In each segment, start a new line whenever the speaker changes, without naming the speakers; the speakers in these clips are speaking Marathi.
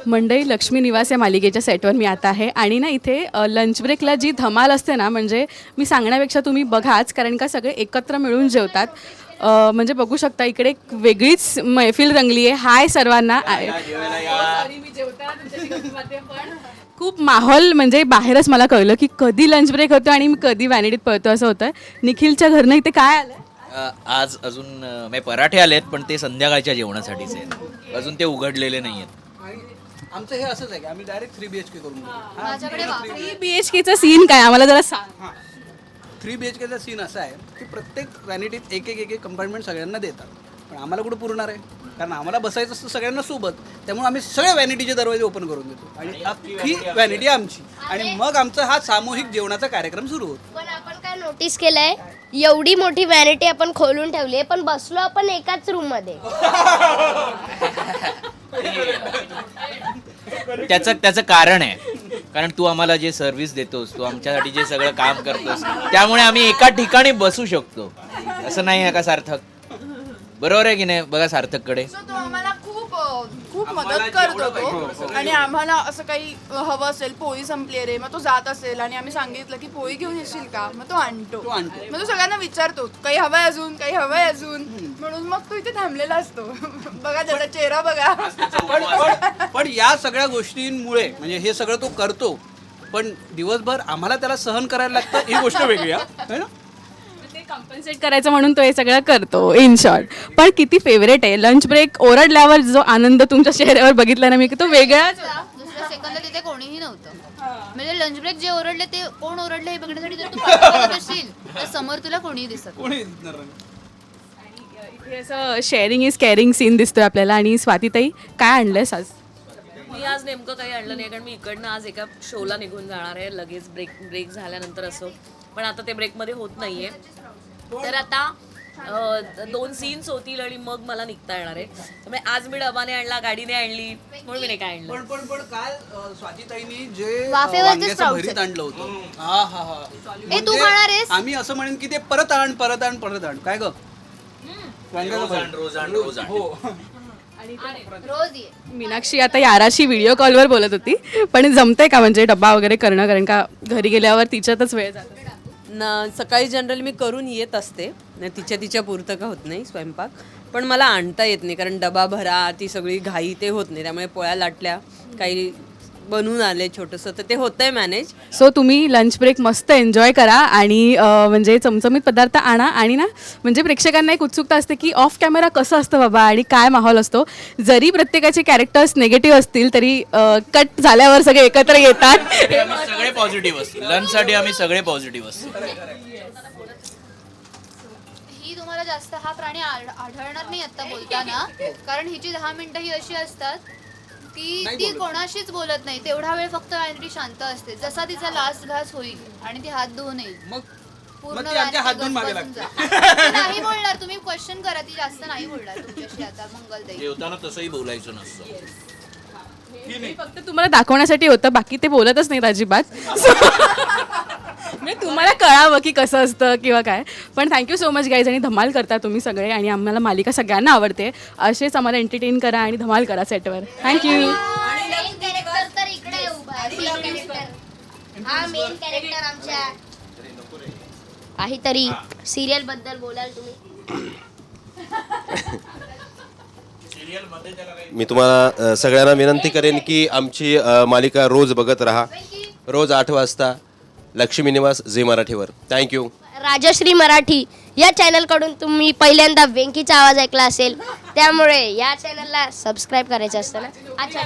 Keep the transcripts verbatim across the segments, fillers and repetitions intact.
मंडई लक्ष्मी निवास या मालिकेच्या सेटवर मी आता आहे आणि ना इथे अ, लंच ब्रेकला जी धमाल असते ना, म्हणजे मी सांगण्यापेक्षा तुम्ही बघाच, कारण का सगळे एकत्र मिळून जेवतात. अ, म्हणजे बघू शकता इकडे एक वेगळीच मैफिल रंगली आहे. हाय सर्वांना. Sorry, मी जेवताना तुमच्याशी गप्पा मारते, पण खूप माहोल म्हणजे बाहेरच मला कळलं की कधी लंच ब्रेक होतो आणि मी कधी व्हॅनिटीत पळतो असं होतं. निखिलच्या घरनं इथे काय आलं?
अ, आज अजून अ, म्हणजे पराठे आलेत पण ते संध्याकाळच्या जेवणासाठीच आहेत. अजून ते उघडलेले नाही आहेत.
आणि आमचं हे असंच आहे की आम्ही direct three B H K करून घेतो.
माझ्याकडे वा-
थ्री बी एच केचा सीन काय आम्हाला जरा सांग.
हां थ्री बी एच केचा सीन असा आहे की प्रत्येक व्हॅनिटीत एक एक एक एक कंपार्टमेंट सगळ्यांना देतात, पण आम्हाला कुठं पुरणार आहे, कारण आम्हाला बसायचं असतं सगळ्यांना सोबत. त्यामुळे आम्ही सगळ्या व्हॅनिटीचे दरवाजे ओपन करून देतो आणि अख्खी व्हॅनिटी आमची, आणि मग आमचा हा सामूहिक जेवणाचा कार्यक्रम सुरू होतो.
पण आपण काय नोटीस केलंय, एवढी मोठी व्हॅनिटी आपण खोलून ठेवली आहे, पण बसलो आपण एकाच रूम मध्ये.
त्याचं त्याचं कारण आहे, कारण तू आम्हाला जे सर्व्हिस देतोस, तू आमच्यासाठी जे सगळं काम करतोस, त्यामुळे आम्ही एका ठिकाणी बसू शकतो. असं नाही आहे का सार्थक? बरोबर आहे की नाही? बघा सार्थककडे.
So तो आम्हाला खूप अ, खूप मदत करत होतो आणि आम्हाला असं काही अ, हवं असेल, पोळी संपली रे, मग तो जात असेल आणि आम्ही सांगितलं की पोळी घेऊन येशील का, मग तो आणतो.
तो आणतो.
मग तो सगळ्यांना विचारतो काही हवंय अजून, काही हवंय अजून, म्हणून मग तो इथे थांबलेला असतो. बघा त्याचा चेहरा बघा.
पण पण पण या सगळ्या गोष्टींमुळे म्हणजे हे सगळं तो करतो, पण दिवसभर आम्हाला त्याला सहन करायला लागतं, ही गोष्ट वेगळी आहे ना.
ते कम्पन्सेट करायचं म्हणून तो हे सगळं करतो इन शॉर्ट. पण किती फेवरेट आहे लंच ब्रेक ओरडल्यावर जो आनंद तुमच्या चेहऱ्यावर बघितला ना मी, की तो वेगळाच होता.
दुसऱ्या सेकंदला तिथे कोणीही नव्हतं. म्हणजे लंच ब्रेक जे ओरडले ते कोण ओरडले हे बघण्यासाठी जर तू पाठी बघत असशील तर समोर तुला कोणीही दिसत नाही.
कोणी दिसणार नाही.
इथे असं शेअरिंग इज केअरिंग सीन दिसतोय आपल्याला. आणि स्वातीताई काय आणलंयस आज?
मी आज नेमकं काही आणलं नाही, कारण मी इकडनं आज एका शोला निघून जाणार आहे लगेच ब्रेक ब्रेक झाल्यानंतर असो. पण आता ते ब्रेकमध्ये होत नाहीये, तर आता अ, दोन सीन्स होतील आणि मग मला निघता येणार आहे. त्यामुळे आज मी डबाने आणला, गाडीने आणली, म्हणून मी नाही काय आणलं.
पण पण पण काल अ, स्वातीताईंनी जे अ,
वाफेवरचे
वांग्याचं
sprouts
भरीत आणलं होतं, हा हा हा
ए, तू खाणार आहेस?
आम्ही असं म्हणेन की ते परत आण परत आण परत आण. काय ग वांग्याचं
रोज आण,
भरीत.
रोज आण, रोज आण.
हो.
रोज ये.
मीनाक्षी आता याराशी व्हिडिओ कॉलवर बोलत होती, पण जमतंय का म्हणजे डब्बा वगैरे करणं, कारण का घरी गेल्यावर तिच्यातच वेळ जातो.
न सकाळी जनरली मी करून येत असते, न तिच्या तिच्या पुरतं का होत नाही स्वयंपाक, पण मला आणता येत नाही कारण डबा भरा, ती सगळी घाई ते होत नाही. त्यामुळे पोळ्या लाटल्या, काही बनवून आले छोटंसं, तर ते होतंय मॅनेज.
सो तुम्ही लंच ब्रेक मस्त एन्जॉय करा आणि अ, म्हणजे चमचमीत पदार्थ आणा. आणि ना म्हणजे प्रेक्षकांना एक उत्सुकता असते की ऑफ कॅमेरा कसं असतं बाबा आणि काय माहोल असतो. जरी प्रत्येकाचे कॅरेक्टर्स निगेटिव्ह असतील तरी कट झाल्यावर सगळे एकत्र येतात.
तरी आम्ही सगळे पॉझिटिव्ह असतो. लंचसाठी आम्ही सगळे पॉझिटिव्ह असतो.
ही तुम्हाला जास्त हा प्राणी आढ- आढळणार नाही आता बोलताना, कारण हिची दहा मिनिटं ही अशी असतात की
नाही
ती
बोलत.
कोणाशीच बोलत नाही. तेवढा वेळ फक्त व्हॅनिटी शांत असते. जसा तिचा लास्ट घास होईल आणि ती हात धुवून येईल,
मग
पूर्ण
मग ती आमच्या हात
vanity
धुवून मागे
गजबजून
लागते.
जाते. ती नाही बोलणार, तुम्ही क्वेश्चन करा, ती जास्त नाही बोलणार तुमच्याशी आता मंगलताई.
जेवताना तसंही बोलायचं नसतं.
हे फक्त तुम्हाला दाखवण्यासाठी होतं, बाकी ते बोलतच नाहीत अजिबात. म्हणजे तुम्हाला कळावं की कसं असतं किंवा काय. पण थँक्यू सो मच गाईज, आणि धमाल करता तुम्ही सगळे, आणि आम्हाला मालिका सगळ्यांना आवडते. असेच आम्हाला एंटरटेन करा आणि धमाल करा सेटवर. थँक्यू.
मेन कॅरेक्टर तर इकडे उभा आहे. मेन कॅरेक्टर हा मेन कॅरेक्टर आमच्या. काहीतरी सिरियल बद्दल बोलाल तुम्ही?
मी तुम्हाला अ, सगळ्यांना विनंती करेन की आमची अ, मालिका रोज बघत राहा. रोज आठ वाजता लक्ष्मी निवास झी मराठीवर. थँक्यू.
राजश्री मराठी या चॅनलकडून तुम्ही पहिल्यांदा वेंकीचा आवाज ऐकला असेल, त्यामुळे या चॅनलला सबस्क्राईब करायचं असतं ना. अच्छा,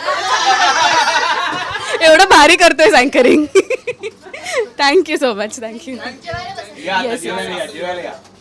एवढं भारी करतोय anchoring. Thank you so much. Thank you.
या आता जेवायला या, जेवायला या.